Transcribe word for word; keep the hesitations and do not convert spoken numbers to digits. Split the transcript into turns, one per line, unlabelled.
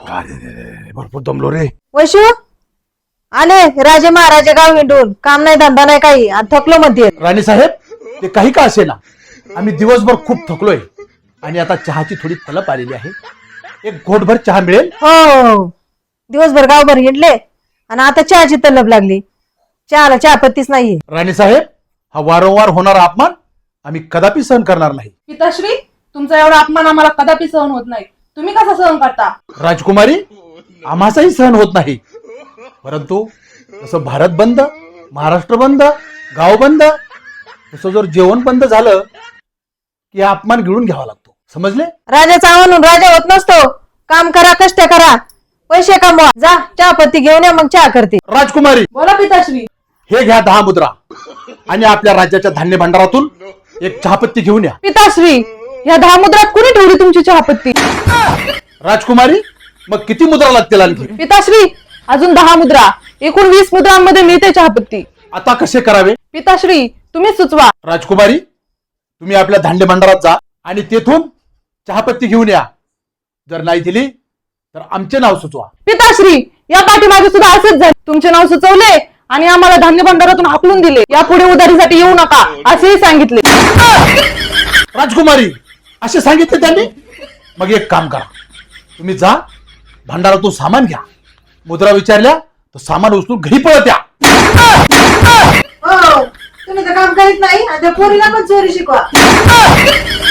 अरे भरपूर दमलो रे.
वैशू आले राजे महाराजे गाव हिंडून काम नाही धंदा नाही काही आणि थकलो मध्ये.
राणी साहेब ते काही का असे ना, आम्ही दिवसभर खूप थकलोय आणि आता चहाची थोडी तलप आलेली आहे. एक घोटभर चहा मिळेल?
हो दिवसभर गावभर हिंडले आणि आता चहाची तलब लागली. चहाला चहा पत्तीच नाहीये.
राणी साहेब हा वारंवार होणारा अपमान आम्ही कदापि सहन करणार नाही.
पिताश्री तुमचा एवढा अपमान आम्हाला कदापि सहन होत नाही. तुम्ही कसा सहन करता?
राजकुमारी आम्हाचाही सहन होत नाही, परंतु जसं भारत बंद, महाराष्ट्र बंद, गाव बंद, तसं जर जेवण बंद झालं की हा अपमान गिळून घ्यावा लागतो. समजले?
राजाचा म्हणून राजा होत नसतो. काम करा कष्ट करा पैसे कमवा. जा चहा पत्ती घेऊन या मग चहा करते.
राजकुमारी
बोला पिताश्री.
हे घ्या दहा मुद्रा आणि आपल्या राज्याच्या धान्य भांडारातून एक चहापत्ती घेऊन या.
पिताश्री या दहा मुद्रात कुणी ठेवली तुमची चहापत्ती?
राजकुमारी मग किती मुद्रा लागतील आणखी?
पिताश्री अजून दहा मुद्रा, एकूण वीस मुद्रांमध्ये मिळते चहापत्ती.
आता कसे करावे?
पिताश्री तुम्ही सुचवा.
राजकुमारी तुम्ही आपल्या धान्य भांडारात जा आणि तेथून चहापत्ती घेऊन या. जर नाही दिली तर आमचे नाव सुचवा.
पिताश्री या पाठीमागे सुद्धा असंच झाले. तुमचे नाव सुचवले आणि आम्हाला धान्य भांडारातून हाकलून दिले. यापुढे उधारीसाठी येऊ नका असेही सांगितले.
राजकुमारी असे सांगितले त्यांनी? मग एक काम करा, तुम्ही जा भांडारातून सामान घ्या. मुद्रा विचारल्या तर सामान उचलून घरी पळत या.
तुम्ही तर काम करीत नाही आणि त्या पोरीला पण चोरी शिकवा.